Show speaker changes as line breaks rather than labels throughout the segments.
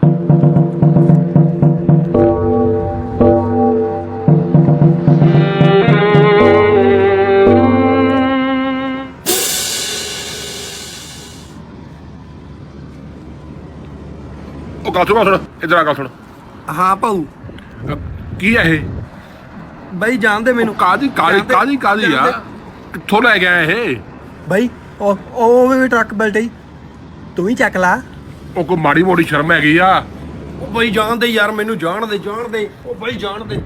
ਗੱਲ ਸੁਣ ਇੱਧਰ ਆ, ਗੱਲ ਸੁਣ।
ਹਾਂ ਭਾਊ।
ਕੀ ਹੈ ਇਹ
ਬਾਈ ਜਾਣਦੇ ਮੈਨੂੰ?
ਕਾਦੀ ਆ? ਕਿੱਥੋਂ ਲੈ ਗਿਆ ਇਹ
ਬਾਈ? ਉਹ ਵੀ ਟਰੱਕ ਬਲਟੇ, ਤੂੰ ਹੀ ਚੱਕ ਲਾ।
ਉਹ ਕੋਈ ਮਾੜੀ ਮੋਟੀ ਸ਼ਰਮ ਹੈਗੀ ਆ?
ਉਹ ਬਾਈ ਜਾਣਦੇ ਯਾਰ, ਮੈਨੂੰ ਜਾਣਦੇ। ਉਹ ਬਾਈ ਜਾਣਦੇ।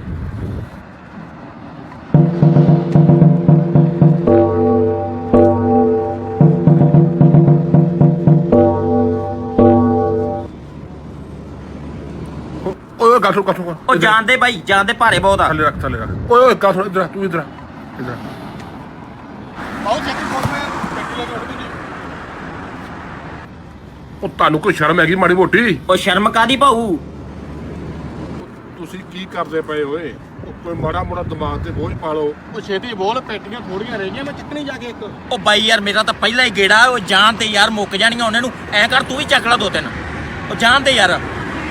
ਓਏ ਗੱਲ ਸੁਣ
ਉਹ ਜਾਣਦੇ ਬਾਈ, ਜਾਣਦੇ, ਭਾਰੇ ਬਹੁਤ ਆ।
ਥੱਲੇ ਰੱਖ ਓਏ ਗੱਲ ਸੁਣ, ਇੱਧਰ ਤੂੰ ਇੱਧਰ ਉਹ ਤੁਹਾਨੂੰ ਕੋਈ ਸ਼ਰਮ ਹੈਗੀ ਮਾੜੀ ਮੋਟੀ?
ਉਹ ਸ਼ਰਮ ਕਾਦੀ ਭਾਊ?
ਤੁਸੀਂ ਕੀ ਕਰਦੇ ਪਏ ਓਏ? ਉਹ ਕੋਈ ਮਾੜਾ ਮੋੜਾ ਦਿਮਾਗ ਤੇ ਬੋਝ ਪਾ ਲਓ।
ਉਹ ਛੇਤੀ ਬੋਲ, ਪੇਟੀਆਂ ਥੋੜੀਆਂ ਰਹਿ ਗਈਆਂ, ਮੈਂ ਚੱਕਣੀ ਜਾ ਕੇ ਇੱਕ।
ਉਹ ਬਾਈ ਯਾਰ ਮੇਰਾ ਤਾਂ ਪਹਿਲਾਂ ਹੀ ਗੇੜਾ। ਉਹ ਜਾਣ ਤੇ ਯਾਰ ਮੁੱਕ ਜਾਣੀਆਂ ਉਹਨਾਂ ਨੂੰ। ਐਂ ਕਰ ਤੂੰ ਵੀ ਚੱਕ ਲਾ 2-3। ਉਹ ਜਾਣ ਤੇ ਯਾਰ।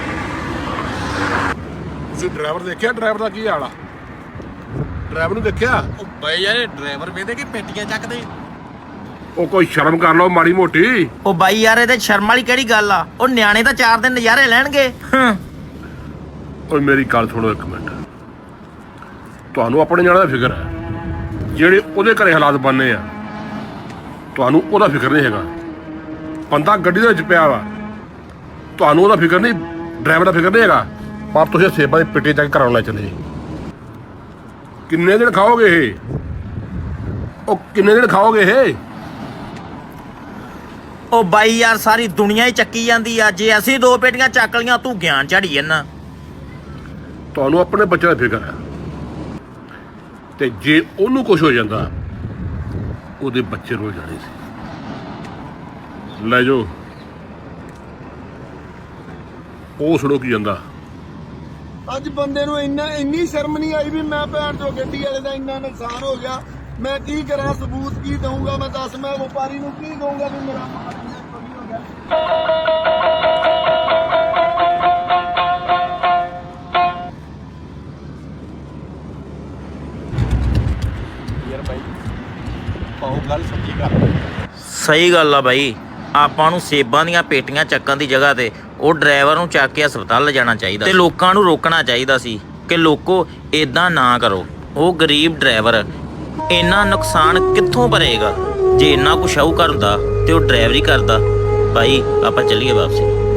ਤੁਸੀਂ ਡਰਾਈਵਰ ਦੇਖਿਆ? ਡਰਾਈਵਰ ਦਾ ਕੀ ਹਾਲ ਆ? ਡਰਾਈਵਰ ਨੂੰ ਦੇਖਿਆ?
ਉਹ ਬਾਈ ਯਾਰ, ਡਰਾਈਵਰ ਵੇਦੇ ਕਿ ਪੇਟੀਆਂ ਚੱਕਦੇ।
ਉਹ ਕੋਈ ਸ਼ਰਮ ਕਰ ਲਓ ਮਾੜੀ ਮੋਟੀ।
ਉਹ ਬਾਈ ਯਾਰ ਇਹਦੇ ਸ਼ਰਮ ਵਾਲੀ ਕਿਹੜੀ ਗੱਲ ਆ? ਉਹ ਨਿਆਣੇ ਤਾਂ 4 ਦਿਨ ਨਜ਼ਾਰੇ ਲੈਣਗੇ।
ਓਏ ਮੇਰੀ ਗੱਲ ਸੁਣੋ ਇੱਕ ਮਿੰਟ। ਤੁਹਾਨੂੰ ਆਪਣੇ ਨਿਆਣੇ ਦਾ ਫਿਕਰ ਹੈ, ਜਿਹੜੇ ਉਹਦੇ ਘਰੇ ਹਾਲਾਤ ਬਣਨੇ ਆ ਤੁਹਾਨੂੰ ਉਹਦਾ ਫਿਕਰ ਨਹੀਂ ਹੈਗਾ। ਬੰਦਾ ਗੱਡੀ ਦੇ ਵਿੱਚ ਪਿਆ ਵਾ, ਤੁਹਾਨੂੰ ਉਹਦਾ ਫਿਕਰ ਨਹੀਂ, ਡਰਾਈਵਰ ਦਾ ਫਿਕਰ ਨਹੀਂ ਹੈਗਾ। ਪਰ ਤੁਸੀਂ ਸੇਬਾਂ ਦੀ ਪਿੱਟੀ ਚੱਕ ਕਰਾਉਣ ਲੈ ਚਲੇ। ਕਿੰਨੇ ਦਿਨ ਖਾਓਗੇ ਇਹ? ਉਹ ਕਿੰਨੇ ਦਿਨ ਖਾਓਗੇ ਇਹ?
ਉਹ ਬਾਈ ਯਾਰ ਸਾਰੀ ਦੁਨੀਆ ਹੀ ਚੱਕੀ ਜਾਂਦੀ ਆ। ਜੇ ਅਸੀਂ 2 ਪੇਟੀਆਂ ਚੱਕ ਲੀਆਂ ਤੂੰ ਗਿਆਨ ਝਾੜੀ ਜਾਂਦਾ।
ਤੁਹਾਨੂੰ ਆਪਣੇ ਬੱਚੇ ਦਾ ਫਿਕਰ ਹੈ, ਤੇ ਜੇ ਉਹਨੂੰ ਕੁਝ ਹੋ ਜਾਂਦਾ ਉਹਦੇ ਬੱਚੇ ਰੁਲ ਜਾਣੇ ਸੀ। ਲੈ ਜਾਓ। ਉਹ ਸੁਣੋ ਕੀ ਜਾਂਦਾ।
ਅੱਜ ਬੰਦੇ ਨੂੰ ਇੰਨੀ ਸ਼ਰਮ ਨਹੀਂ ਆਈ ਵੀ ਮੈਂ ਭੈਣ ਚੋ ਗੱਡੀ ਵਾਲੇ ਦਾ ਇੰਨਾ ਨੁਕਸਾਨ ਹੋ ਗਿਆ। ਮੈਂ ਕੀ ਕਰਾਂ? ਸਬੂਤ ਕੀ ਦਊਂਗਾ ਮੈਂ? ਦੱਸ, ਮੈਂ ਵਪਾਰੀ ਨੂੰ ਕੀ ਕਹੂੰਗਾ ਵੀ ਮੇਰਾ ਮਾਲ ਇੰਨਾ ਚੋਰੀ ਹੋ ਗਿਆ? ਯਾਰ ਬਾਈ ਉਹ ਗੱਲ ਸੱਚੀ ਕਰ।
ਸਹੀ ਗੱਲ ਆ ਬਾਈ। ਆਪਾਂ ਨੂੰ ਸੇਬਾਂ ਦੀਆਂ ਪੇਟੀਆਂ ਚੱਕਣ ਦੀ ਜਗ੍ਹਾ ਤੇ ਉਹ ਡਰਾਈਵਰ ਨੂੰ ਚੱਕ ਕੇ ਹਸਪਤਾਲ ਲਿਜਾਣਾ ਚਾਹੀਦਾ ਤੇ ਲੋਕਾਂ ਨੂੰ ਰੋਕਣਾ ਚਾਹੀਦਾ ਸੀ ਕਿ ਲੋਕੋ ਇਦਾਂ ਨਾ ਕਰੋ। ਉਹ ਗਰੀਬ ਡਰਾਈਵਰ ਇੰਨਾ ਨੁਕਸਾਨ ਕਿੱਥੋਂ ਭਰੇਗਾ? ਜੇ ਇੰਨਾ ਕੁ ਸ਼ਾਹੂਕਾਰ ਹੁੰਦਾ ਤੇ ਉਹ ਡਰਾਈਵਰੀ ਕਰਦਾ। ਭਾਈ ਆਪਾਂ ਚੱਲੀਏ ਵਾਪਸੀ।